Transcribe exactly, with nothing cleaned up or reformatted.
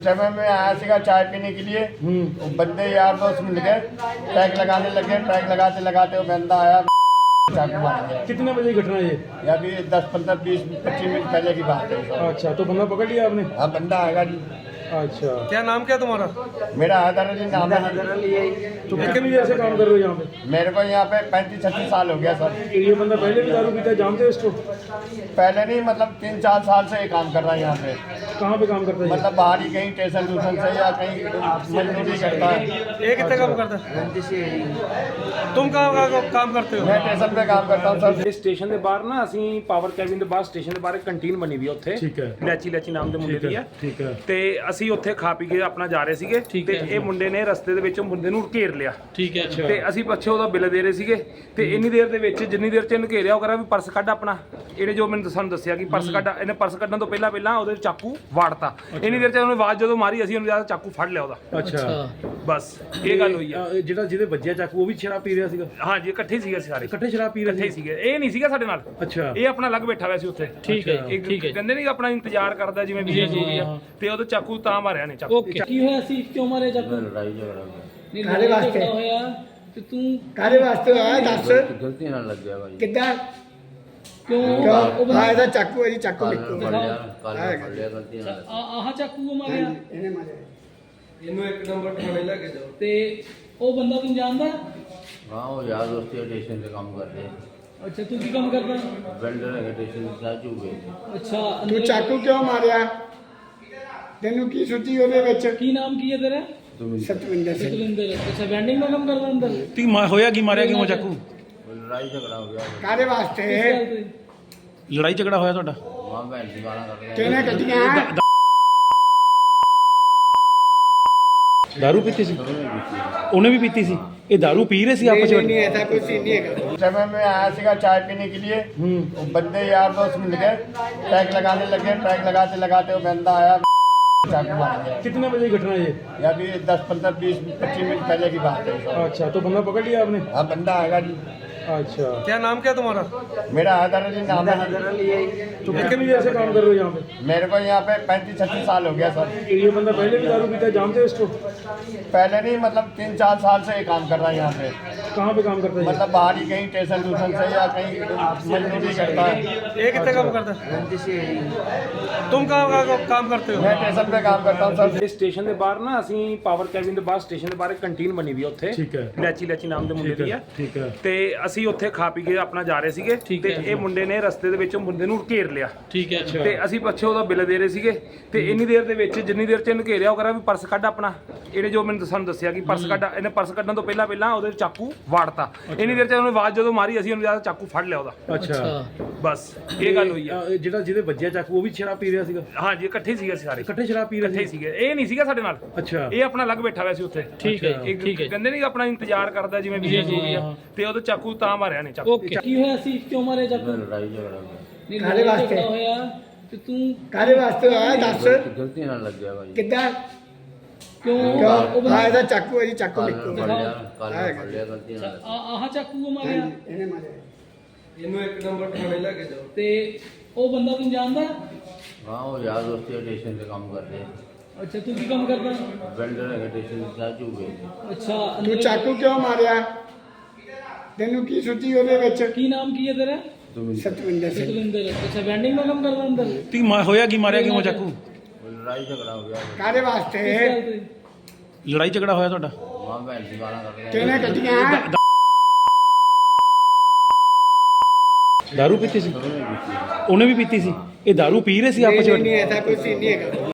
समय में आया सीगा चाय पीने के लिए। वो बंदे यार दोस्त मिल गए, टैग लगाने लगे। टैग लगाते लगाते वो बंदा आया, चाकू मार दिया। कितने बजे की घटना है ये? या अभी दस पंद्रह बीस पच्चीस मिनट पहले की बात है। अच्छा, तो बंदा पकड़ लिया आपने? हाँ, बंदा आएगा जी। अच्छा, क्या नाम क्या तुम्हारा? मेरा हैदर अली नाम है। तो कितनी देर से काम कर रहे हो यहाँ पे? मेरे को यहाँ पे पैंतीस छत्तीस साल हो गया सर। ये बंदा पहले भी दारू पीता है, जानते हो इसको? पहले नहीं, मतलब तीन चार साल से ये काम कर रहा है यहाँ पे। कहाँ पे काम करता है ये? मतलब बाहर ही कहीं स्टेशन टूशन से या कहीं मजदूरी करता है। ये कितने काम करता है? तुम कहाँ कहाँ काम करते हो? मैं स्टेशन पे काम करता हूँ सर। ਇਸ ਸਟੇਸ਼ਨ ਦੇ ਬਾਹਰ ਨਾ ਅਸੀਂ ਪਾਵਰ ਕੈਬਿਨ ਦੇ ਬਾਹਰ ਸਟੇਸ਼ਨ ਦੇ ਬਾਹਰ ਇੱਕ ਕੰਟੀਨ ਬਣੀ ਵੀ ਆ ਉੱਥੇ। ਠੀਕ ਹੈ। ਲੈਚੀ ਲੈਚੀ ਨਾਮ ਦੇ ਮੁੰਡੇ ਦੀ ਆ। ਠੀਕ ਹੈ। ਤੇ ਅਸੀਂ ਉੱਥੇ ਖਾ ਪੀ ਕੇ ਆਪਣਾ ਜਾ ਰਹੇ ਸੀਗੇ ਤੇ ਇਹ ਮੁੰਡੇ ਨੇ ਰਸਤੇ ਦੇ ਵਿੱਚ ਮੁੰਡੇ ਨੂੰ ਘੇਰ ਲਿਆ। ठीक है। अच्छा, ਤੇ ਅਸੀਂ ਪਿੱਛੇ ਉਹਦਾ ਬਿੱਲ ਦੇ ਰਹੇ ਸੀਗੇ ਤੇ ਇੰਨੀ ਦੇਰ ਦੇ ਵਿੱਚ ਜਿੰਨੀ ਦੇਰ ਚ ਇਹਨੂੰ ਘੇਰਿਆ ਉਹ ਕਰਾ ਵੀ ਪਰਸ ਕੱਢ ਆਪਣਾ। ਇਹਨੇ ਜੋ ਮੈਨੂੰ ਸਾਨੂੰ ਦੱਸਿਆ ਕਿ ਪਰਸ ਕੱਢ, ਇਹਨੇ ਪਰਸ ਕੱਢਣ ਤੋਂ ਪਹਿਲਾਂ ਪਹਿਲਾਂ ਉਹਦੇ ਚਾਕੂ ਵਾੜਤਾ। ਇੰਨੀ ਦੇਰ ਚ ਉਹਨੇ ਆਵਾਜ਼ ਜਦੋਂ ਮਾਰੀ ਅਸੀਂ ਉਹਨੂੰ ਜਿਆਦਾ ਚਾਕੂ ਫੜ ਲਿਆ ਉਹਦਾ। अच्छा। ਬਸ ਇਹ ਗੱਲ ਹੋਈ ਆ। ਅ, ਜਿਹੜਾ ਜਿਹਦੇ ਵੱਜਿਆ ਚਾਕੂ ਉਹ ਵੀ ਸ਼ਰਾਬ ਪੀ ਰਿਹਾ ਸੀਗਾ? ਹਾਂਜੀ ਇਕੱਠੇ ਸੀਗੇ ਅਸੀਂ ਸਾਰੇ, ਇਕੱਠੇ ਸ਼ਰਾਬ ਪੀ ਰਹੇ ਇਕੱਠੇ ਸੀਗੇ। ਇਹ ਨਹੀਂ ਸੀਗਾ ਸਾਡੇ ਨਾਲ, ਅੱਛਾ। ਇਹ ਆਪਣਾ ਅਲੱਗ ਬੈਠਾ ਹੋਇਆ ਸੀ ਉੱਥੇ। ਠੀਕ ਹੈ, ਠੀਕ ਹੈ। ਕਹਿੰਦੇ ਨਹੀਂ ਆਪਣਾ ਇੰਤਜ਼ਾਰ ਕਰਦਾ ਜਿਵੇਂ ਵੀਡੀਓ ਜੂਗੀ ਆ, ਤੇ ਉਹਦੇ ਚਾਕੂ ਤਾਂ ਮਾਰਿਆ ਨੇ ਚਾਕੂ। ਓਕੇ, ਕੀ ਹੋਇਆ ਸੀ? ਕਿਉਂ ਮਾਰੇ ਚਾਕੂ? ਲੜਾਈ ਝਗੜਾ ਹੋਇਆ। ਕਾਹਦੇ ਵਾਸਤੇ ਹੋਇਆ? ਤੇ ਤੂੰ ਕਾਹਦੇ ਵਾਸਤੇ ਹੋਇਆ ਦੱਸ। ਗਲਤੀ ਨਾਲ ਲੱਗਿਆ ਭਾਈ। ਕਿੱਦਾਂ ਕਿਉਂ ਉਹ ਕਿਉਂ ਬੰਦਾ ਹਾਂ ਇਹਦਾ ਚਾਕੂ ਹੈ ਜੀ, ਚਾਕੂ ਕੱਲ ਨਿਕਲ ਫੜ ਲਿਆ, ਕੱਲ ਫੜ ਲਿਆ ਗਲਤੀ ਨਾਲ। ਆ- ਆਹ ਚਾਕੂ ਉਹ ਮਾਰਿਆ ਇਹਨੇ ਮਾਰਿਆ। ਇਹਨੂੰ ਇੱਕ ਨੰਬਰ ਥਾਣੇ ਲੈ ਕੇ ਜਾਓ। ਤੇ ਉਹ ਬੰਦਾ ਤੈਨੂੰ ਜਾਣਦਾ? ਹਾਂ, ਉਹ ਯਾਰ ਦੋਸਤੀ ਸਟੇਸ਼ਨ ਤੇ ਕੰਮ ਕਰਦੇ ਅੱਛਾ, ਤੂੰ ਕੀ ਕੰਮ ਕਰਦਾ? ਵੈਂਡਰ ਹੈ ਸਟੇਸ਼ਨ ਤੇ ਚਾਹ ਚੂ ਵੇਚਦੇ। ਅੱਛਾ, ਤੂੰ ਅੰਦਰ ਚਾਕੂ ਕਿਉਂ ਮਾਰਿਆ? ਤੈਨੂੰ ਕੀ ਸੁੱਚੀ ਉਹਦੇ ਵਿੱਚ? ਕੀ ਨਾਮ ਕੀ ਹੈ ਤੇਰਾ? ਸਤਵਿੰਦਰ ਸਿੰਘ। ਸੁਖਵਿੰਦਰ। ਅੱਛਾ, ਵੈਂਡਿੰਗ ਦਾ ਕੰਮ ਕਰਦਾ ਅੰਦਰ? ਤੀ ਹੋਇਆ ਕੀ, ਮਾਰਿਆ ਕਿਉਂ ਚਾਕੂ? ਲੜਾਈ ਝਗੜਾ ਹੋ ਗਿਆ। ਕਾਹਦੇ ਵਾਸਤੇ? ਕਿਸ ਗੱਲ ਤੇ? ਲੜਾਈ ਝਗੜਾ ਹੋਇਆ ਤੁਹਾਡਾ? ਮਾਂ ਭੈਣ ਦੀ ਗਾਲਾਂ ਕੱਢ ਰਿਹਾ। ਕਿਹਨੇ ਕੱਢੀਆਂ? दारू पीती सी? ਉਹਨੇ ਵੀ ਪੀਤੀ ਸੀ? ਇਹ दारू ਪੀ ਰਹੇ ਸੀ ਆਪਸ नहीं ਵਿੱਚ? नहीं ऐसा कुछ सीन नहीं है। समय में आया सीगा चाय पीने के लिए। वो बंदे यार दोस्त मिल गए, टैग लगाने लगे। टैग लगाते लगाते वो बंदा आया, चाकू मार दिया। कितने बजे की घटना है ये? या अभी दस पंद्रह बीस पच्चीस मिनट पहले की बात है। अच्छा, तो बंदा पकड़ लिया आपने? हाँ, बंदा आएगा जी। अच्छा, क्या नाम क्या तुम्हारा? मेरा हैदर अली नाम है। तो कितनी देर से काम कर रहे हो यहाँ पे? मेरे को यहाँ पे पैंतीस छत्तीस साल हो गया सर। ये बंदा पहले भी दारू पीता है, जानते हो इसको? पहले नहीं, मतलब तीन चार साल से ये काम कर रहा है यहाँ पे। कहाँ पे काम करता है ये? मतलब बाहर ही कहीं स्टेशन टूशन से या कहीं मजदूरी करता है। ये कितने काम करता है? तुम कहाँ कहाँ काम करते हो? मैं स्टेशन पे काम करता हूँ सर। ਇਸ ਸਟੇਸ਼ਨ ਦੇ ਬਾਹਰ ਨਾ ਅਸੀਂ ਪਾਵਰ ਕੈਬਿਨ ਦੇ ਬਾਹਰ ਸਟੇਸ਼ਨ ਦੇ ਬਾਹਰ ਇੱਕ ਕੰਟੀਨ ਬਣੀ ਵੀ ਆ ਉੱਥੇ। ਠੀਕ ਹੈ। ਲੈਚੀ ਲੈਚੀ ਨਾਮ ਦੇ ਮੁੰਡੇ ठीक ਦੀ ਆ। है। ठीक है। ਤੇ ਅਸੀਂ ਉੱਥੇ ਖਾ ਪੀ ਕੇ ਆਪਣਾ ਜਾ ਰਹੇ ਸੀਗੇ ਤੇ ਇਹ ਮੁੰਡੇ ਨੇ ਰਸਤੇ ਦੇ ਵਿੱਚ ਮੁੰਡੇ ਨੂੰ ਘੇਰ ਲਿਆ। ठीक है। अच्छा, ਤੇ ਅਸੀਂ ਪਿੱਛੇ ਉਹਦਾ ਬਿੱਲ ਦੇ ਰਹੇ ਸੀਗੇ ਤੇ ਇੰਨੀ ਦੇਰ ਦੇ ਵਿੱਚ ਜਿੰਨੀ ਦੇਰ ਚ ਇਹਨੂੰ ਘੇਰਿਆ ਉਹ ਕਰਾ ਵੀ ਪਰਸ ਕੱਢ ਆਪਣਾ। ਇਹਨੇ ਜੋ ਮੈਨੂੰ ਸਾਨੂੰ ਦੱਸਿਆ ਕਿ ਪਰਸ ਕੱਢ, ਇਹਨੇ ਪਰਸ ਕੱਢਣ ਤੋਂ ਪਹਿਲਾਂ ਪਹਿਲਾਂ ਉਹਦੇ ਚਾਕੂ ਵਾੜਤਾ। ਇੰਨੀ ਦੇਰ ਚ ਉਹਨੇ ਆਵਾਜ਼ ਜਦੋਂ ਮਾਰੀ ਅਸੀਂ ਉਹਨੂੰ ਜਿਆਦਾ ਚਾਕੂ ਫੜ ਲਿਆ ਉਹਦਾ। अच्छा। ਬਸ ਇਹ ਗੱਲ ਹੋਈ ਆ। ਅ, ਜਿਹੜਾ ਜਿਹਦੇ ਵੱਜਿਆ ਚਾਕੂ ਉਹ ਵੀ ਸ਼ਰਾਬ ਪੀ ਰਿਹਾ ਸੀਗਾ? ਹਾਂਜੀ ਇਕੱਠੇ ਸੀਗੇ ਅਸੀਂ ਸਾਰੇ, ਇਕੱਠੇ ਸ਼ਰਾਬ ਪੀ ਰਹੇ ਇਕੱਠੇ ਸੀਗੇ। ਇਹ ਨਹੀਂ ਸੀਗਾ ਸਾਡੇ ਨਾਲ, ਅੱਛਾ। ਇਹ ਆਪਣਾ ਅਲੱਗ ਬੈਠਾ ਹੋਇਆ ਸੀ ਉੱਥੇ। ਠੀਕ ਹੈ, ਠੀਕ ਹੈ। ਕਹਿੰਦੇ ਨਹੀਂ ਆਪਣਾ ਇੰਤਜ਼ਾਰ ਕਰਦਾ ਜਿਵੇਂ ਵੀਡੀਓ ਜੂਗੀ ਆ, ਤੇ ਉਹਦੇ ਚਾਕੂ ਤਾਂ ਮਾਰਿਆ ਨੇ ਚਾਕੂ। ਓਕੇ, ਕੀ ਹੋਇਆ ਸੀ? ਕਿਉਂ ਮਾਰੇ ਚਾਕੂ? ਲੜਾਈ ਝਗੜਾ ਹੋ ਗਿਆ। ਕਾਹਦੇ ਵਾਸਤੇ? ਝਗੜਾ ਹੋਇਆ? ਤੇ ਤੂੰ ਕਾਹਦੇ ਵਾਸਤੇ ਹੋਇਆ ਦੱਸ। ਗਲਤੀ ਨਾਲ ਲੱਗਿਆ ਭਾਈ। ਕਿੱਦਾਂ ਕਿਉਂ ਉਹ ਕਿਉਂ ਬੰਦਾ ਹਾਂ ਇਹਦਾ ਚਾਕੂ ਹੈ ਜੀ, ਚਾਕੂ ਕੱਲ ਨਿਕਲ। ਫੜ ਲਿਆ, ਕੱਲ ਫੜ ਲਿਆ ਗਲਤੀ ਨਾਲ। ਆ- ਆਹ ਚਾਕੂ ਉਹ ਮਾਰਿਆ ਇਹਨੇ ਮਾਰਿਆ। ਇਹਨੂੰ ਇੱਕ ਨੰਬਰ ਥਾਣੇ ਲੈ ਕੇ ਜਾਓ। ਤੇ ਉਹ ਬੰਦਾ ਤੈਨੂੰ ਜਾਣਦਾ? ਹਾਂ, ਉਹ ਯਾਰ ਦੋਸਤੀ ਸਟੇਸ਼ਨ ਤੇ ਕੰਮ ਕਰਦੇ ਅੱਛਾ, ਤੂੰ ਕੀ ਕੰਮ ਕਰਦਾ? ਵੈਂਡਰ ਹੈ ਸਟੇਸ਼ਨ ਤੇ ਚਾਹ ਚੂ ਵੇਚਦੇ। ਅੱਛਾ, ਤੂੰ ਅੰਦਰ ਚਾਕੂ ਕਿਉਂ ਮਾਰਿਆ? ਤੈਨੂੰ ਕੀ ਸੁੱਚੀ ਉਹਦੇ ਵਿੱਚ? ਕੀ ਨਾਮ ਕੀ ਹੈ ਤੇਰਾ? ਸਤਵਿੰਦਰ ਸਿੰਘ। ਸੁਖਵਿੰਦਰ। ਅੱਛਾ, ਵੈਂਡਿੰਗ ਦਾ ਕੰਮ ਕਰਦਾ ਅੰਦਰ? ਤੀ ਹੋਇਆ ਕੀ, ਮਾਰਿਆ ਕਿਉਂ ਚਾਕੂ? ਲੜਾਈ ਝਗੜਾ ਹੋ ਗਿਆ। ਕਾਹਦੇ ਵਾਸਤੇ? ਕਿਸ ਗੱਲ ਤੇ? ਲੜਾਈ ਝਗੜਾ ਹੋਇਆ ਤੁਹਾਡਾ? ਮਾਂ ਭੈਣ ਦੀ ਗਾਲਾਂ ਕੱਢ ਰਿਹਾ। ਕਿਹਨੇ ਕੱਢੀਆਂ? दारू पीती सी? ਉਹਨੇ ਵੀ ਪੀਤੀ ਸੀ? ਇਹ दारू ਪੀ ਰਹੇ ਸੀ नहीं ਆਪਸ नहीं ਵਿੱਚ? नहीं ऐसा कुछ सीन नहीं है।